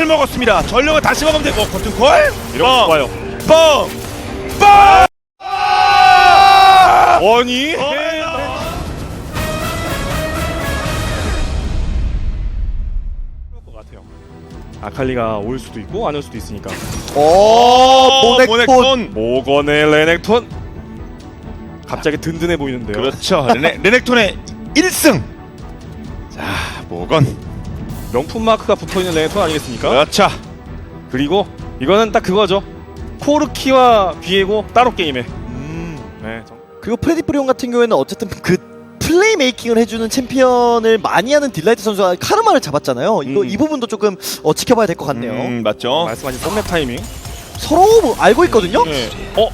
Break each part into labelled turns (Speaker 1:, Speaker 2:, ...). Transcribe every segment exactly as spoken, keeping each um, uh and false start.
Speaker 1: 킬 먹었습니다. 전령을 다시 먹으면 되고 커튼콜
Speaker 2: 이런 거 좋아요.
Speaker 1: 뻥! 뻥!
Speaker 2: 아니 아칼리가 올 수도 있고 안 올 수도 있으니까.
Speaker 3: 오, 모넥톤.
Speaker 1: 모넥톤.
Speaker 2: 모건의 레넥톤 갑자기 든든해 보이는데요.
Speaker 1: 그렇죠. 레넥, 레넥톤의 일 승. 자, 모건.
Speaker 2: 명품 마크가 붙어있는 레넥톤 아니겠습니까?
Speaker 1: 그렇죠.
Speaker 2: 그리고 이거는 딱 그거죠. 코르키와 비에고 따로 게임에.
Speaker 1: 음.
Speaker 2: 네, 정...
Speaker 3: 그리고 프레디 프리온 같은 경우에는 어쨌든 그 플레이 메이킹을 해주는 챔피언을 많이 하는 딜라이트 선수가 카르마를 잡았잖아요. 이거
Speaker 2: 음.
Speaker 3: 이 부분도 조금 어, 지켜봐야 될 것 같네요.
Speaker 1: 음, 맞죠.
Speaker 2: 말씀하신 썸맵 타이밍.
Speaker 3: 서로 뭐 알고 있거든요.
Speaker 2: 네. 어?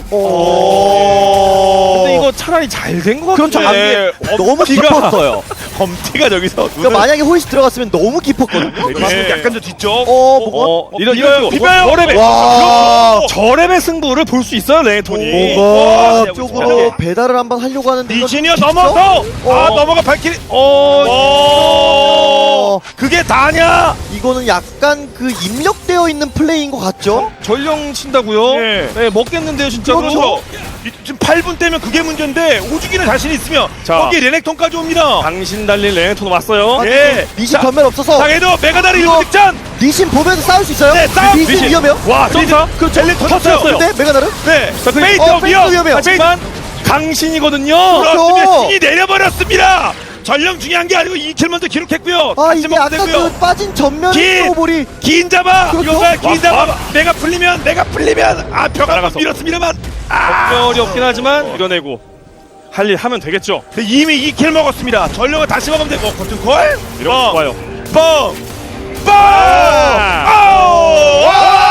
Speaker 3: 오.
Speaker 2: 근데 이거 차라리 잘 된 것
Speaker 3: 그렇죠.
Speaker 2: 같은데.
Speaker 3: 안 돼. 너무 깊었어요.
Speaker 1: 검티가 저기서
Speaker 3: 그러니까 만약에 홀시 들어갔으면 너무 깊었거든요.
Speaker 1: 네. 약간 저 뒤쪽.
Speaker 3: 어, 뭐가?
Speaker 2: 어, 이런
Speaker 1: 비벼요,
Speaker 2: 이런
Speaker 1: 비벼요.
Speaker 2: 저랩의
Speaker 3: 와.
Speaker 2: 저랩의 승부를 볼 수 있어요, 레넥톤이.
Speaker 3: 뭐가
Speaker 1: 오.
Speaker 3: 쪽으로 배달을 한번 하려고 하는데 이거
Speaker 1: 리지니어
Speaker 3: 깊죠?
Speaker 1: 넘어서 아
Speaker 3: 어.
Speaker 1: 넘어가 발키리.
Speaker 2: 어,
Speaker 1: 오. 그게 다냐?
Speaker 3: 이거는 약간 그 입력되어 있는 플레이인 것 같죠?
Speaker 2: 전령 친다고요?
Speaker 1: 네.
Speaker 2: 네, 먹겠는데요, 진짜로.
Speaker 1: 그렇죠. 이- 지금 팔 분 때면 그게 문제인데 오죽이는 자신 있으면
Speaker 2: 자.
Speaker 1: 거기 레넥톤까지 옵니다.
Speaker 2: 당신 달린 레넥톤 왔어요.
Speaker 1: 예.
Speaker 3: 리신
Speaker 1: 자,
Speaker 3: 전멸 없어서
Speaker 1: 당해도 메가다리
Speaker 3: 이거-
Speaker 1: 일부 득전.
Speaker 3: 리신 보면서 싸울 수 있어요?
Speaker 1: 네, 싸움.
Speaker 3: 리신,
Speaker 2: 리신.
Speaker 3: 위험해요?
Speaker 2: 와, 점사.
Speaker 1: 그렇죠. 젤리 터졌어요.
Speaker 2: 터졌어요.
Speaker 3: 근데 메가나르?
Speaker 1: 네.
Speaker 2: 자, 그-
Speaker 1: 페이트
Speaker 3: 어,
Speaker 1: 위험.
Speaker 3: 페이트 위험해요.
Speaker 2: 하지만 강신이거든요.
Speaker 1: 그렇습니다.
Speaker 3: 그렇죠.
Speaker 1: 신이 내려버렸습니다. 전령 중요한 게 아니고 이 킬 먼저 기록했고요.
Speaker 3: 아
Speaker 1: 같이
Speaker 3: 이게
Speaker 1: 먹으면
Speaker 3: 아까
Speaker 1: 되고요.
Speaker 3: 그 빠진 전면
Speaker 1: 긴!
Speaker 3: 스노볼이
Speaker 1: 긴 잡아.
Speaker 3: 그렇죠.
Speaker 1: 이거가 긴
Speaker 2: 와,
Speaker 1: 잡아. 내가 풀리면 내가 풀리면 아 벽 한번
Speaker 2: 날아가서.
Speaker 1: 밀었습니다만. 아.
Speaker 2: 전멸이 없긴 하지만 밀어내고 할 일 하면 되겠죠.
Speaker 1: 이미 이 킬 먹었습니다. 전령을 다시 먹으면 되고 커튼콜.
Speaker 2: 이런 거 좋아요.
Speaker 1: 뻥! 뻥!
Speaker 2: 아.
Speaker 1: 아우!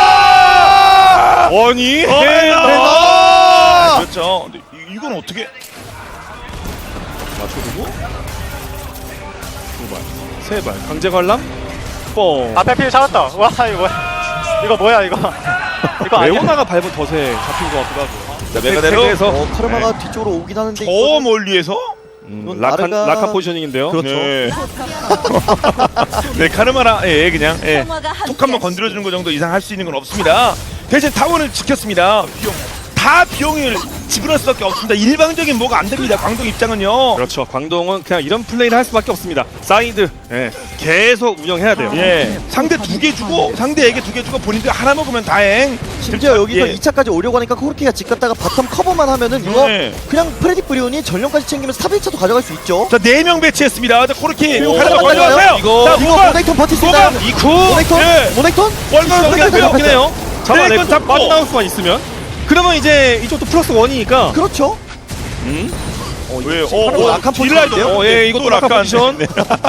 Speaker 1: 아!
Speaker 2: 아니
Speaker 1: 해나! 그렇죠. 근데 이- 이건 어떻게?
Speaker 2: 맞춰두고 두발 세발 강제 관람 뻥.
Speaker 4: 앞에 필 잡았다. 와 이거 뭐야? 이거 뭐야 이거? 이거 아니야?
Speaker 2: 레오나가 밟은 덫에 잡힌 것 같기도 하고.
Speaker 1: 자, 메가데로.
Speaker 2: 그래서
Speaker 3: 어, 카르마가 뒤쪽으로 오긴 하는데
Speaker 1: 저
Speaker 3: 이거는
Speaker 1: 멀리에서?
Speaker 2: 음,
Speaker 3: 이건
Speaker 2: 락한
Speaker 3: 나르가-
Speaker 2: 락한 포지셔닝인데요.
Speaker 3: 그렇죠.
Speaker 1: 네. 네, 카르마라, 예, 그냥, 예. 톡 한번 건드려주는 거 정도 이상 할 수 있는 건 없습니다. 대신 타워는 지켰습니다. 비용. 다 비용을 지불할 수밖에 없습니다. 일방적인 뭐가 안 됩니다. 광동 입장은요.
Speaker 2: 그렇죠. 광동은 그냥 이런 플레이를 할 수밖에 없습니다. 사이드 예, 계속 운영해야 돼요.
Speaker 1: 예. 상대 두 개 주고, 상대에게 두 개 주고 본인들 하나 먹으면 다행.
Speaker 3: 심지어 여기서
Speaker 1: 예.
Speaker 3: 이 차까지 오려고 하니까 코르키가 집 갔다가 바텀 커버만 하면은 이거
Speaker 1: 네.
Speaker 3: 그냥 프레디 프리온이 전령까지 챙기면서 탑 일 차도 가져갈 수 있죠.
Speaker 1: 자, 네 명 배치했습니다. 자, 코르키.
Speaker 3: 오,
Speaker 1: 카르마
Speaker 3: 빨리 와요.
Speaker 1: 가져가세요.
Speaker 2: 이거-
Speaker 1: 자,
Speaker 3: 이거
Speaker 1: 모건.
Speaker 3: 모넥톤 버틸 수 있나요?
Speaker 1: 모건.
Speaker 2: 이쿠
Speaker 3: 모넥톤?
Speaker 1: 예.
Speaker 3: 모넥톤?
Speaker 1: 월급
Speaker 3: 모넥톤
Speaker 1: 여기
Speaker 3: 잡혔어요.
Speaker 2: 없긴 해요. 잡아내고
Speaker 1: 드래곤 잡고.
Speaker 2: 빠져나올 수만 있으면 그러면 이제 이쪽도 플러스 원이니까
Speaker 3: 그렇죠.
Speaker 2: 음?
Speaker 3: 어,
Speaker 1: 왜?
Speaker 3: 이거
Speaker 1: 어,
Speaker 3: 바로
Speaker 1: 어,
Speaker 3: 약한
Speaker 1: 딜라이트.
Speaker 3: 포지션인데요?
Speaker 2: 어, 예, 이것도 락한 포지션.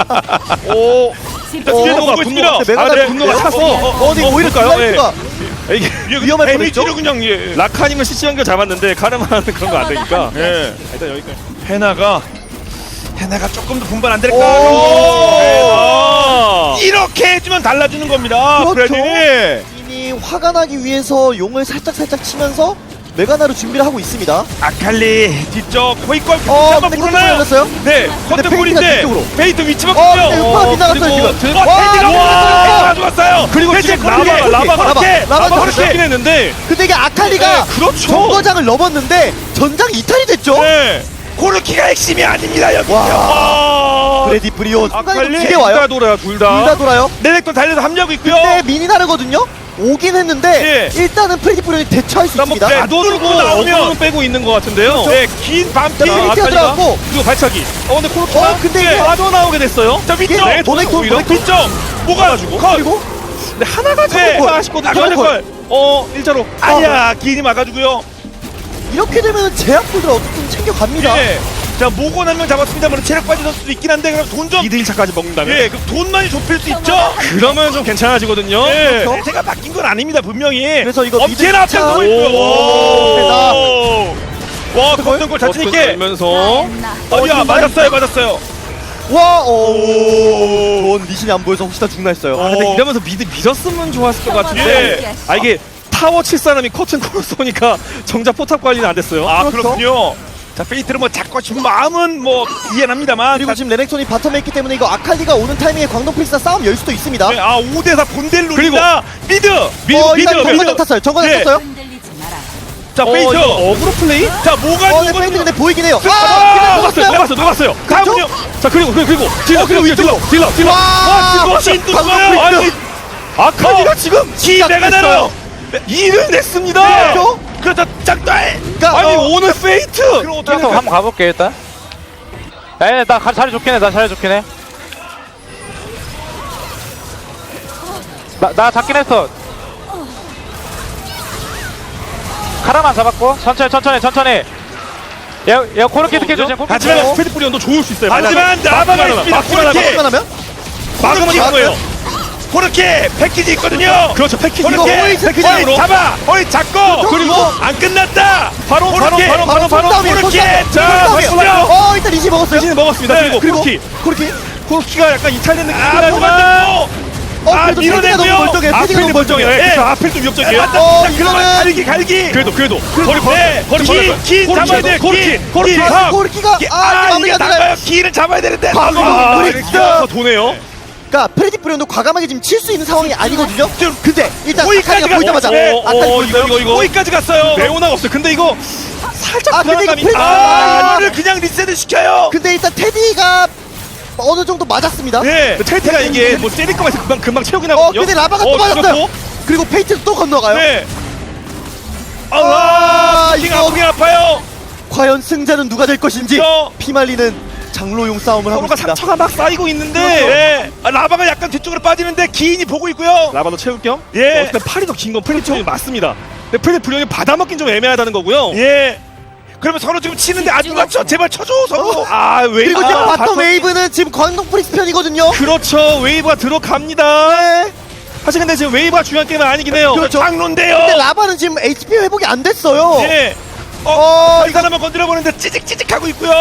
Speaker 2: 오,
Speaker 1: 자,
Speaker 3: 어,
Speaker 1: 뒤에서 오고
Speaker 2: 분노가,
Speaker 1: 있습니다.
Speaker 3: 근데 메가다
Speaker 1: 아, 네.
Speaker 2: 분노가
Speaker 1: 어,
Speaker 2: 찼어.
Speaker 1: 어, 어,
Speaker 3: 어, 근데 오히려
Speaker 2: 그럴까요?
Speaker 3: 딜라이트가
Speaker 2: 이게
Speaker 3: 위험할
Speaker 1: 데미지로
Speaker 3: 뻔했죠?
Speaker 1: 그냥, 예.
Speaker 2: 라카님은 씨씨 연결 잡았는데 카르마는 그런 거 안 되니까
Speaker 1: 예.
Speaker 2: 일단 여기까지.
Speaker 1: 헤나가 헤나가 조금 더 분발 안
Speaker 3: 오!
Speaker 1: 될까요?
Speaker 2: 아,
Speaker 1: 이렇게 해주면 달라지는 겁니다.
Speaker 3: 그렇죠.
Speaker 1: 프레디.
Speaker 3: 이미 화가 나기 위해서 용을 살짝 살짝 치면서 메가나로 준비를 하고 있습니다.
Speaker 1: 아칼리 뒤쪽 호이걸
Speaker 3: 어,
Speaker 1: 한번
Speaker 3: 근데
Speaker 1: 물어나요.
Speaker 3: 걸렸어요?
Speaker 1: 네,
Speaker 3: 근데
Speaker 1: 커튼볼인데
Speaker 3: 페이트가 뒤쪽으로.
Speaker 1: 페이트 위치
Speaker 3: 어,
Speaker 1: 바뀌죠.
Speaker 3: 근데 음파 빗나갔어요
Speaker 2: 그리고
Speaker 3: 지금.
Speaker 2: 드-
Speaker 1: 와,
Speaker 3: 와,
Speaker 1: 테디가
Speaker 3: 와,
Speaker 1: 가져갔어요.
Speaker 2: 그리고
Speaker 1: 테디
Speaker 2: 지금
Speaker 1: 코르키.
Speaker 2: 라바가 라바가
Speaker 3: 라바,
Speaker 1: 그렇게
Speaker 3: 라바
Speaker 1: 라바
Speaker 3: 그렇게.
Speaker 2: 잡긴 했는데
Speaker 3: 근데 이게 아칼리가
Speaker 2: 네, 그렇죠.
Speaker 3: 정거장을 넘었는데 전장 이탈이 됐죠?
Speaker 1: 네. 코르키가 핵심이 아닙니다 여기.
Speaker 3: 와.
Speaker 1: 와.
Speaker 3: 프레디 프리온
Speaker 1: 아칼리.
Speaker 3: 순간이동 두개
Speaker 2: 둘
Speaker 3: 와요.
Speaker 2: 다 돌아요 둘
Speaker 3: 둘
Speaker 2: 다.
Speaker 3: 다 돌아요.
Speaker 1: 네넥톤 달려서 합류하고 있고요.
Speaker 3: 근데 미니 다르거든요. 오긴 했는데
Speaker 1: 예.
Speaker 3: 일단은 프레디 프리온이 대처할 수
Speaker 1: 한번
Speaker 3: 있습니다.
Speaker 1: 네.
Speaker 2: 가둬주고
Speaker 1: 뚫고 나오면.
Speaker 2: 어그로는 빼고 있는 것 같은데요.
Speaker 1: 네, 긴 반피.
Speaker 3: 자, 페이트가
Speaker 2: 아칼리가.
Speaker 3: 들어갔고
Speaker 2: 그리고 발차기. 어 근데 코르키가
Speaker 3: 어, 근데
Speaker 1: 이게-
Speaker 2: 빠져나오게 됐어요.
Speaker 1: 자, 위쪽.
Speaker 3: 네, 모넥톤,
Speaker 2: 오히려
Speaker 3: 모넥톤.
Speaker 1: 뒤쪽. 뭐가 주고 컷.
Speaker 3: 그리고
Speaker 2: 근데 하나가
Speaker 1: 네.
Speaker 2: 조금 아쉽거든요.
Speaker 1: 아, 걸.
Speaker 2: 어 일자로.
Speaker 1: 아니야, 긴이 막아주고요.
Speaker 3: 이렇게 되면 제약골들 어떻게든 챙겨갑니다.
Speaker 1: 예. 자, 모건 한 명 잡았습니다만 체력 빠진 선수도 있긴 한데 그럼 돈 좀.
Speaker 2: 이 대 일 차까지 먹는다면.
Speaker 1: 예, 그럼 돈 많이 좁힐 수 있죠.
Speaker 2: 그러면 좀 괜찮아지거든요.
Speaker 1: 예.
Speaker 3: 그렇죠?
Speaker 1: 제가 바뀐 건 아닙니다 분명히.
Speaker 3: 그래서 이거
Speaker 1: 엄청나
Speaker 3: 미드
Speaker 1: 앞장서고
Speaker 3: 차-
Speaker 1: 있고요.
Speaker 3: 오,
Speaker 1: 오. 와, 걷는 자신 있게.
Speaker 2: 면서
Speaker 1: 어디야, 맞았어요, 맞았어요.
Speaker 3: 와, 오, 전 리신이 안 보여서 혹시나 죽나 했어요.
Speaker 2: 아, 근데
Speaker 1: 어.
Speaker 2: 이러면서 미드 밀었으면 좋았을 것 같은데.
Speaker 1: 예.
Speaker 2: 아 이게 타워 칠 사람이 커튼 코를 쏘니까 정작 포탑 관리는 안 됐어요.
Speaker 1: 아,
Speaker 3: 그렇죠.
Speaker 1: 그렇군요. 자 페이트를 뭐 잡고 싶은 마음은 뭐 이해합니다만.
Speaker 3: 그리고 지금 레넥톤이 바텀에 있기 때문에 이거 아칼리가 오는 타이밍에 광동 프리스와 싸움 열 수도 있습니다.
Speaker 1: 네, 아 오 대 사 본대를 노린다. 미드 미드
Speaker 3: 어,
Speaker 1: 미드
Speaker 3: 일단 정관
Speaker 1: 미드.
Speaker 3: 탔어요. 정관
Speaker 1: 예.
Speaker 3: 탔어요.
Speaker 1: 자
Speaker 2: 어,
Speaker 1: 페이트.
Speaker 2: 이거 어그로 플레이?
Speaker 1: 자 뭐가
Speaker 3: 어, 네,
Speaker 1: 누가
Speaker 3: 페인트 근데 보이긴 해요.
Speaker 1: 아,
Speaker 3: 아, 그냥
Speaker 2: 녹았어요,
Speaker 3: 녹았어요.
Speaker 2: 녹았어요, 녹았어요.
Speaker 1: 다음은요.
Speaker 2: 자 그리고 그리고 그리고 딜러
Speaker 3: 어, 그리고
Speaker 2: 그리고 딜러 딜러 딜러.
Speaker 3: 와,
Speaker 1: 와 진도
Speaker 3: 광동
Speaker 1: 좋아요. 아니
Speaker 3: 프리스.
Speaker 2: 아칼리가 지금
Speaker 1: 기대가 나요.
Speaker 2: 일을 냈습니다.
Speaker 1: 네.
Speaker 3: 그렇죠?
Speaker 1: 그렇다 짝달.
Speaker 3: 그러니까
Speaker 2: 아니
Speaker 3: 어,
Speaker 2: 오늘 페이트.
Speaker 1: 그럼 어떻게
Speaker 4: 한번 한번 가볼게 일단. 에이 나 가- 자리 좋긴 해나 자리 좋긴 해나 나 잡긴 했어. 카라만 잡았고 천천히 천천히 천천히. 얘얘 코르키 스케줄 지금 코르키
Speaker 1: 하지만
Speaker 4: 스케줄.
Speaker 2: 페이트 뿌리온도 좋을 수 있어요.
Speaker 1: 하지만 나바가 있습니다.
Speaker 2: 막기만 하면
Speaker 1: 코르키.
Speaker 3: 막기만 하면
Speaker 2: 막으면 이긴 거예요.
Speaker 1: 코르키 패키지 있거든요.
Speaker 2: 그렇죠 패키지.
Speaker 3: 이거
Speaker 1: 코르키
Speaker 3: 호이
Speaker 1: 패키지 잡아. 호이 잡고
Speaker 3: 그리고
Speaker 1: 안 끝났다.
Speaker 2: 바로 바로
Speaker 1: 코르키.
Speaker 2: 바로 바로 바로
Speaker 3: 손싸움이에요,
Speaker 1: 코르키.
Speaker 3: 손싸움.
Speaker 1: 자
Speaker 3: 손싸움이에요.
Speaker 1: 보시죠.
Speaker 3: 어, 일단 이시 먹었어요.
Speaker 2: 페이지는 먹었습니다.
Speaker 1: 네,
Speaker 2: 그리고
Speaker 3: 그리고
Speaker 2: 코르키
Speaker 3: 코르키.
Speaker 2: 코르키가 약간 이탈된 느낌이
Speaker 1: 아
Speaker 2: 나지만
Speaker 1: 뭐가
Speaker 3: 어,
Speaker 1: 아,
Speaker 3: 그래도 패드가
Speaker 1: 밀어내고요.
Speaker 3: 너무 멀쩡해. 패드가
Speaker 2: 아펠도
Speaker 3: 너무
Speaker 2: 멀쩡해요.
Speaker 3: 멀쩡해.
Speaker 2: 그렇죠. 아펠도 위협적이에요.
Speaker 3: 어,
Speaker 1: 자, 그러면
Speaker 3: 이거는-
Speaker 1: 갈기 갈기.
Speaker 2: 그래도 그래도 거리
Speaker 1: 네,
Speaker 2: 벌 거리
Speaker 1: 기,
Speaker 2: 벌었어요.
Speaker 1: 기
Speaker 2: 코르키,
Speaker 1: 잡아야 돼.
Speaker 2: 코르키
Speaker 1: 기,
Speaker 2: 코르키
Speaker 1: 기.
Speaker 3: 아, 코르키가
Speaker 1: 기-
Speaker 3: 아,
Speaker 1: 아
Speaker 3: 마무리가
Speaker 1: 이게
Speaker 3: 되나요?
Speaker 1: 나가요. 기를 잡아야 되는데.
Speaker 3: 과거
Speaker 1: 아,
Speaker 3: 브릭스.
Speaker 2: 더 도네요.
Speaker 3: 그러니까 프레디 브리온도 과감하게 지금 칠 수 있는 상황이 아니거든요. 근데 일단
Speaker 1: 호이까지
Speaker 3: 아칼리가 보이자마자
Speaker 1: 갔어요.
Speaker 2: 어,
Speaker 3: 아칼리
Speaker 2: 어,
Speaker 3: 보였어요.
Speaker 2: 이거 이거 이거
Speaker 1: 호이까지 갔어요.
Speaker 2: 레오나가 없어요. 근데 이거 살짝
Speaker 3: 아, 근데 이거
Speaker 2: 불안감이
Speaker 3: 프레디-
Speaker 1: 아,
Speaker 3: 아,
Speaker 1: 이거를 그냥 리셋을 시켜요.
Speaker 3: 근데 일단 테디가 어느 정도 맞았습니다.
Speaker 1: 네.
Speaker 2: 테이트가 이게 뭐 때릴 거면 금방 금방 채우긴
Speaker 3: 어,
Speaker 2: 하거든요.
Speaker 3: 근데 라바가 또 맞았어요.
Speaker 2: 죽었고.
Speaker 3: 그리고 페이트도 또 건너가요.
Speaker 1: 네.
Speaker 3: 아,
Speaker 1: 아,
Speaker 3: 이거-
Speaker 1: 이거 아프긴 아파요.
Speaker 3: 과연 승자는 누가 될 것인지
Speaker 1: 저-
Speaker 3: 피말리는 장로용 싸움을 하고
Speaker 2: 서로가
Speaker 3: 있습니다.
Speaker 2: 상처가 막 쌓이고 있는데
Speaker 1: 네. 아, 라바가 약간 뒤쪽으로 빠지는데 기인이 보고 있고요.
Speaker 2: 라바도 채울 겸.
Speaker 1: 예.
Speaker 2: 어쨌든 팔이 더 긴 건 프레디 브리온이 맞습니다. 근데 프레디 브리온이 받아먹긴 좀 애매하다는 거고요.
Speaker 1: 예. 그러면 서로 지금 치는데 아 누가 쳐 제발 쳐줘 서로.
Speaker 2: 아 웨이브.
Speaker 3: 그리고 지금
Speaker 2: 아,
Speaker 3: 바텀 웨이브는 지금 광동 프리스 편이거든요.
Speaker 2: 그렇죠. 웨이브가 들어갑니다.
Speaker 3: 네.
Speaker 2: 사실 근데 지금 웨이브가 중요한 게임은 아니긴 해요.
Speaker 3: 그렇죠.
Speaker 1: 장로인데요.
Speaker 3: 근데 라바는 지금 에이치피 회복이 안 됐어요.
Speaker 1: 예. 어,
Speaker 3: 어,
Speaker 1: 이 사람을 건드려 보는데 찌직찌직 하고 있고요.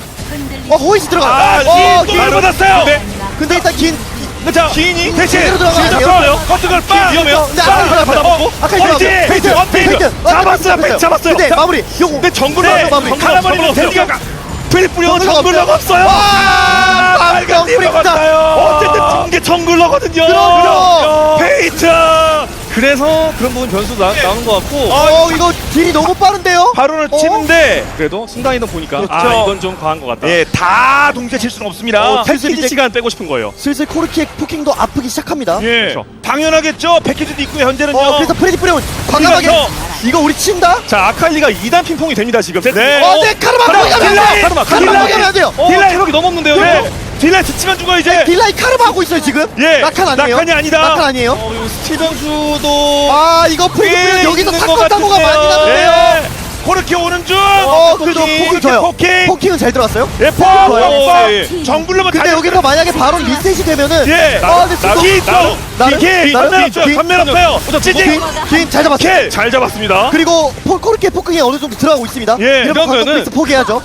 Speaker 3: 어, 호이시 들어가.
Speaker 1: 아,
Speaker 3: 어,
Speaker 1: 기
Speaker 3: 긴.
Speaker 1: 또 받았어요.
Speaker 2: 네.
Speaker 3: 근데 일단 긴.
Speaker 1: 자,
Speaker 2: 기인이
Speaker 1: 대신
Speaker 3: 제대로 들어가야 돼요.
Speaker 1: 잡았어요. 커튼걸 빠.
Speaker 2: 위험해요.
Speaker 3: 근데 아칼리 들어가
Speaker 2: 받아먹고.
Speaker 3: 아칼리 들어가.
Speaker 1: 페이트,
Speaker 3: 페이트,
Speaker 1: 페이트,
Speaker 3: 페이트.
Speaker 1: 잡았어요, 페이트 잡았어요.
Speaker 3: 근데
Speaker 1: 자,
Speaker 3: 마무리. 요거.
Speaker 2: 근데 정글로
Speaker 1: 네,
Speaker 2: 네,
Speaker 3: 마무리.
Speaker 1: 카라마리는 데디가
Speaker 2: 프레디 브리온
Speaker 3: 정글러가
Speaker 2: 정글러가 없어요.
Speaker 1: 아, 빨간
Speaker 3: 광동
Speaker 1: 팀
Speaker 3: 프리스다.
Speaker 1: 먹었어요.
Speaker 2: 어쨌든 중계 정글러거든요.
Speaker 3: 그럼,
Speaker 1: 페이트.
Speaker 2: 그래서 그런 부분 변수도 나, 나오는 것 같고.
Speaker 3: 어, 이거 딜이 너무 빠른데요?
Speaker 1: 바론을
Speaker 3: 어?
Speaker 1: 치는데
Speaker 2: 그래도 순간이동 보니까
Speaker 1: 그렇죠.
Speaker 2: 아 이건 좀 과한 것 같다.
Speaker 1: 예, 다 동시에 칠 수는 없습니다.
Speaker 2: 어,
Speaker 3: 슬슬
Speaker 2: 패키지
Speaker 3: 이제-
Speaker 2: 시간 빼고 싶은 거예요.
Speaker 3: 슬슬 코르키의 포킹도 아프기 시작합니다.
Speaker 1: 예,
Speaker 2: 그렇죠.
Speaker 1: 당연하겠죠. 패키지도 있고 현재는요.
Speaker 3: 어, 그래서 프레디 브레온 과감하게
Speaker 1: 그래서-
Speaker 3: 이거 우리 친다?
Speaker 2: 자 아칼리가 이 단 핑퐁이 됩니다 지금.
Speaker 1: 네.
Speaker 3: 어, 네, 카르마
Speaker 1: 카르마,
Speaker 3: 포기하면 안
Speaker 1: 딜라이!
Speaker 3: 돼요!
Speaker 2: 카르마,
Speaker 3: 카르마
Speaker 2: 카르마.
Speaker 3: 포기하면 안 돼요!
Speaker 2: 어,
Speaker 1: 딜라이!
Speaker 2: 체력이 너무 없는데요.
Speaker 1: 네.
Speaker 2: 네.
Speaker 1: 딜라이 스치면 죽어 이제.
Speaker 3: 딜라이 카르마 하고 있어요, 지금?
Speaker 1: 예,
Speaker 3: 라칸 아니에요?
Speaker 1: 라칸이 아니다.
Speaker 3: 라칸 아니에요?
Speaker 2: 어, 이거 스티븐수도
Speaker 3: 아, 이거 프레디
Speaker 2: 꽤
Speaker 3: 브레온 여기서
Speaker 2: 있는
Speaker 3: 사건
Speaker 2: 것
Speaker 3: 사고가 많이
Speaker 2: 같은데요.
Speaker 3: 나는데요?
Speaker 1: 예. 코르키 오는 중.
Speaker 3: 어, 그래도
Speaker 2: 포킹,
Speaker 3: 포킹 줘요.
Speaker 1: 포킹.
Speaker 3: 포킹은 잘 들어갔어요?
Speaker 1: 예, 포.
Speaker 3: 좋아요.
Speaker 1: 포. 정글로만
Speaker 3: 근데 여기서 만약에 바로 리셋이 되면은
Speaker 1: 예.
Speaker 3: 어, 근데
Speaker 2: 나-
Speaker 3: 지금
Speaker 1: 기
Speaker 2: 나도-
Speaker 1: 있어.
Speaker 3: 나를-
Speaker 1: 기.
Speaker 3: 나를-
Speaker 1: 전면
Speaker 2: 기-
Speaker 1: 없어요.
Speaker 2: 기-
Speaker 1: 전면 없어요. 찌직.
Speaker 3: 긴, 긴잘 잡았어요.
Speaker 1: 킬.
Speaker 2: 잘 잡았습니다.
Speaker 3: 그리고 포, 코르키의 포킹이 어느 정도 들어가고 있습니다.
Speaker 1: 예,
Speaker 3: 이러면 광동
Speaker 2: 이러면은-
Speaker 3: 프리스 포기하죠.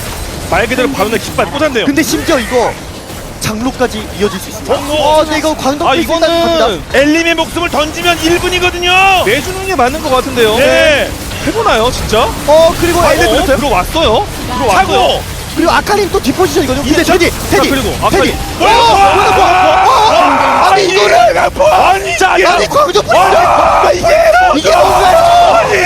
Speaker 2: 말 그대로 바론의 깃발 꽂았네요.
Speaker 3: 근데 심지어 이거 장로까지 이어질 수 있습니다.
Speaker 1: 어,
Speaker 3: 어, 근데 이거 광동
Speaker 2: 아
Speaker 3: 프리스 일단
Speaker 2: 이거는
Speaker 3: 갑니다.
Speaker 1: 엘림의 목숨을 던지면 일 분이거든요.
Speaker 2: 내주는 게 맞는 것 같은데요.
Speaker 1: 네.
Speaker 2: 해보나요 진짜?
Speaker 3: 어, 그리고
Speaker 2: 아,
Speaker 3: 엘레
Speaker 2: 어,
Speaker 3: 들었어요.
Speaker 2: 들어왔어요. 들어왔어요.
Speaker 1: 차고.
Speaker 3: 그리고 아칼린 또 뒷포지션이거든요. 근데
Speaker 1: 이제
Speaker 3: 테디, 테디,
Speaker 2: 그리고
Speaker 3: 테디.
Speaker 2: 아칼리.
Speaker 3: 어, 뭐야, 뭐야. 어, 어, 아니 이거를
Speaker 1: 아니 자
Speaker 3: 아니 광동 프리스
Speaker 1: 아, 이게
Speaker 3: 이게 뭔가요?
Speaker 1: 아니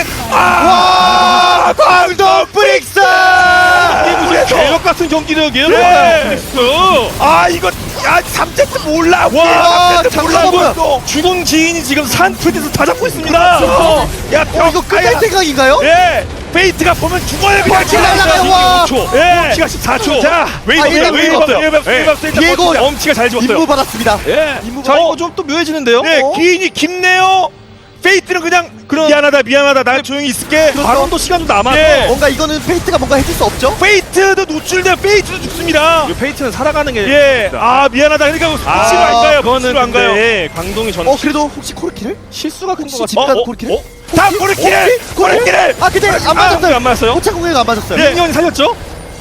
Speaker 1: 아 광동 프릭스.
Speaker 2: 이게 무슨 개혁 같은 경기력이에요.
Speaker 1: 네.
Speaker 2: 프리스.
Speaker 1: 아 이거 야 삼 세트 몰라.
Speaker 3: 와,
Speaker 1: 삼 세트
Speaker 3: 잠깐만
Speaker 1: 몰라.
Speaker 3: 뭐야.
Speaker 2: 죽은 기인이 지금 산 프리스 다 잡고 있습니다.
Speaker 1: 야
Speaker 3: 어, 이거 끝날 생각인가요?
Speaker 1: 예. 페이트가 보면 죽어요 그냥.
Speaker 3: 펀치 날라가요, 와.
Speaker 2: 오 초.
Speaker 1: 예.
Speaker 2: 키가 십사 초.
Speaker 1: 자,
Speaker 2: 웨이브
Speaker 3: 아, 일단
Speaker 2: 없어요. 웨이브
Speaker 3: 웨이브
Speaker 2: 없어요.
Speaker 1: 웨이브 없어요.
Speaker 2: 예.
Speaker 1: 웨이브 없어요. 일단
Speaker 3: 디에고
Speaker 1: 버티자.
Speaker 2: 엄치가 잘 집었어요.
Speaker 3: 임무 받았습니다.
Speaker 1: 예.
Speaker 2: 자 이거 좀 또 묘해지는데요.
Speaker 1: 네,
Speaker 3: 어?
Speaker 1: 기인이 깊네요. 페이트는 그냥
Speaker 2: 그럼-
Speaker 1: 미안하다 미안하다 난 조용히 있을게.
Speaker 2: 바론도 시간 좀 남아서
Speaker 1: 예.
Speaker 3: 뭔가 이거는 페이트가 뭔가 해줄 수 없죠?
Speaker 1: 페이트도 노출돼 페이트도 죽습니다.
Speaker 2: 이 페이트는 살아가는 게
Speaker 1: 예. 아 미안하다. 그러니까 무시로 안 가요.
Speaker 2: 그거는
Speaker 1: 무시로 안 가요.
Speaker 2: 근데 광동이 전
Speaker 3: 어, 그래도 혹시 코르키를?
Speaker 2: 실수가 큰 것
Speaker 3: 혹시
Speaker 2: 같아요.
Speaker 3: 집간
Speaker 1: 어, 어,
Speaker 3: 코르키를?
Speaker 1: 어? 다 코르키를 코르키를.
Speaker 3: 아, 근데 안
Speaker 2: 아,
Speaker 3: 맞았어요.
Speaker 2: 안 맞았어요?
Speaker 3: 호차 공격이 안 맞았어요.
Speaker 1: 예.
Speaker 2: 민현이 살렸죠?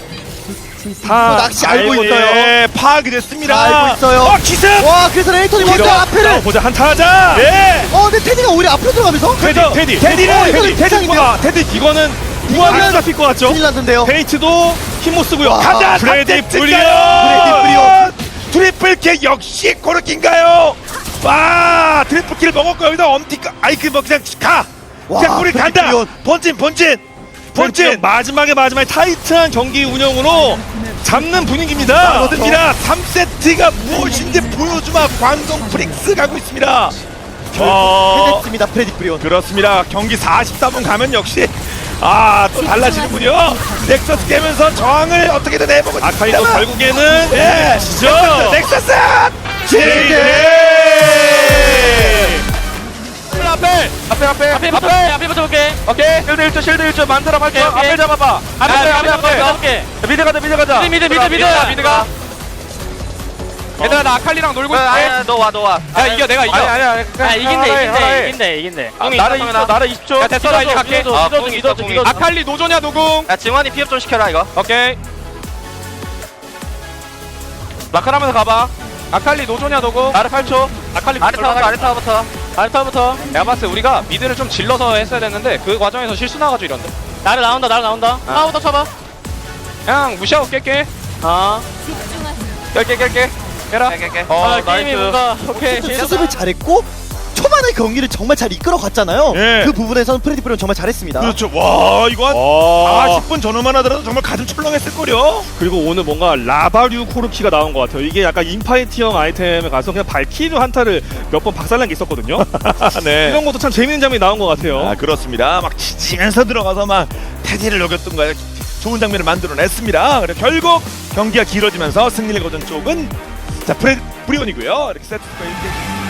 Speaker 3: 또
Speaker 2: 다
Speaker 3: 낚시 알고
Speaker 1: 아이고,
Speaker 3: 있어요.
Speaker 1: 예, 파악이 됐습니다.
Speaker 3: 다 알고 있어요.
Speaker 1: 어 기습.
Speaker 3: 와, 그래서 레이턴이 먼저
Speaker 2: 자,
Speaker 3: 앞에를.
Speaker 2: 보자 한타 하자.
Speaker 1: 예.
Speaker 3: 어, 근데 테디가 오히려 앞으로 들어가면서.
Speaker 2: 테디, 테디,
Speaker 1: 테디는
Speaker 3: 어, 이거는
Speaker 1: 테디,
Speaker 3: 대상인데요?
Speaker 2: 테디, 테디 이거는 무한히 잡힐 것 같죠?
Speaker 3: 큰일 났는데요.
Speaker 2: 페이트도 힘 못 쓰고요.
Speaker 3: 와,
Speaker 1: 가자
Speaker 2: 브레디
Speaker 1: 브레디
Speaker 2: 브리온.
Speaker 1: 브리온 트리플 킬 역시 코르키인가요? 와 트리플 킬을 먹었고 여기다 엄티가 아이 그뭐 그냥 가
Speaker 3: 와,
Speaker 1: 그냥 우리
Speaker 3: 브레디
Speaker 1: 간다
Speaker 3: 브리온.
Speaker 1: 본진 본진
Speaker 2: 본진
Speaker 1: 본진
Speaker 2: 마지막에 마지막에 타이트한 경기 운영으로 잡는 분위기입니다.
Speaker 1: 거듭니다 삼 세트가 무엇인지 보여주마 광동 프릭스 가고 있습니다. 어,
Speaker 3: 해냈습니다. 프레디 브리온.
Speaker 1: 그렇습니다. 경기 사십사 분 가면 역시 아 또 달라지는군요. 넥서스 깨면서 저항을 어떻게든 해보고
Speaker 2: 아카이도
Speaker 1: 있습니다만.
Speaker 2: 결국에는
Speaker 1: 예
Speaker 2: 지죠.
Speaker 1: 넥서스 제이드
Speaker 4: 앞에 앞에 앞에
Speaker 5: 앞에부터 볼게, 앞에부터 볼게.
Speaker 4: 오케이 실드 일 초 실드 일 초 만들어 발표
Speaker 5: 오케이, 오케이.
Speaker 4: 앞에 잡아봐 앞에
Speaker 5: 앞에,
Speaker 4: 앞에
Speaker 5: 앞에,
Speaker 4: 앞에
Speaker 5: 앞에.
Speaker 4: 미드 가자 미드 가자
Speaker 5: 미드, 미드, 미드, 미드.
Speaker 4: 미드가 얘들아 나 아칼리랑 놀고 있을게
Speaker 5: 아니야, 너 와, 너 와.
Speaker 4: 야 이겨 내가 이겨 아니 아니
Speaker 5: 아, 이긴대, 이긴대, 이긴대, 이긴대.
Speaker 4: 아, 나를 이십 초 나를 이십 초 야 됐어 나 이제 갈게
Speaker 5: 믿어줘, 믿어줘, 믿어줘, 믿어줘.
Speaker 4: 아칼리 노조냐 노궁
Speaker 5: 야, 증환이 피업 좀 시켜라, 이거.
Speaker 4: 오케이 라카라면서 가봐 아칼리 노조냐 노궁 나를 팔 초 아칼리
Speaker 5: 아래 타부터, 아래 타부터.
Speaker 4: 아래 타부터 내가 봤을 때 우리가 미드를 좀 질러서 했어야 됐는데 그 과정에서 실수 나가지고 이런데
Speaker 5: 나를 나온다, 나를 나온다. 하나부터 쳐봐.
Speaker 4: 그냥 무시하고 깰게
Speaker 5: 아.
Speaker 4: 깰게 깰게 깨라
Speaker 5: 깨, 깨, 깨.
Speaker 4: 어
Speaker 5: 아, 게임이
Speaker 4: 나이스
Speaker 5: 뭔가, 오케이.
Speaker 3: 수습을 잘했고 초반의 경기를 정말 잘 이끌어갔잖아요.
Speaker 1: 예.
Speaker 3: 그 부분에서는 프레디 브리온 정말 잘했습니다.
Speaker 1: 그렇죠. 와 이거 한
Speaker 2: 와.
Speaker 1: 사십 분 전후만 하더라도 정말 가슴 철렁했을 거려.
Speaker 2: 그리고 오늘 뭔가 라바류 코르키가 나온 것 같아요. 이게 약간 인파이티형 아이템에 가서 그냥 발키리 한타를 몇 번 박살난 게 있었거든요.
Speaker 1: 네.
Speaker 2: 이런 것도 참 재밌는 장면이 나온 것 같아요.
Speaker 1: 아 그렇습니다. 막 지치면서 들어가서 막 테디를 녹였던가 좋은 장면을 만들어냈습니다. 그래 결국 경기가 길어지면서 승리를 거둔 쪽은 자 프레 브리온이고요. 이렇게 세트가 이렇게.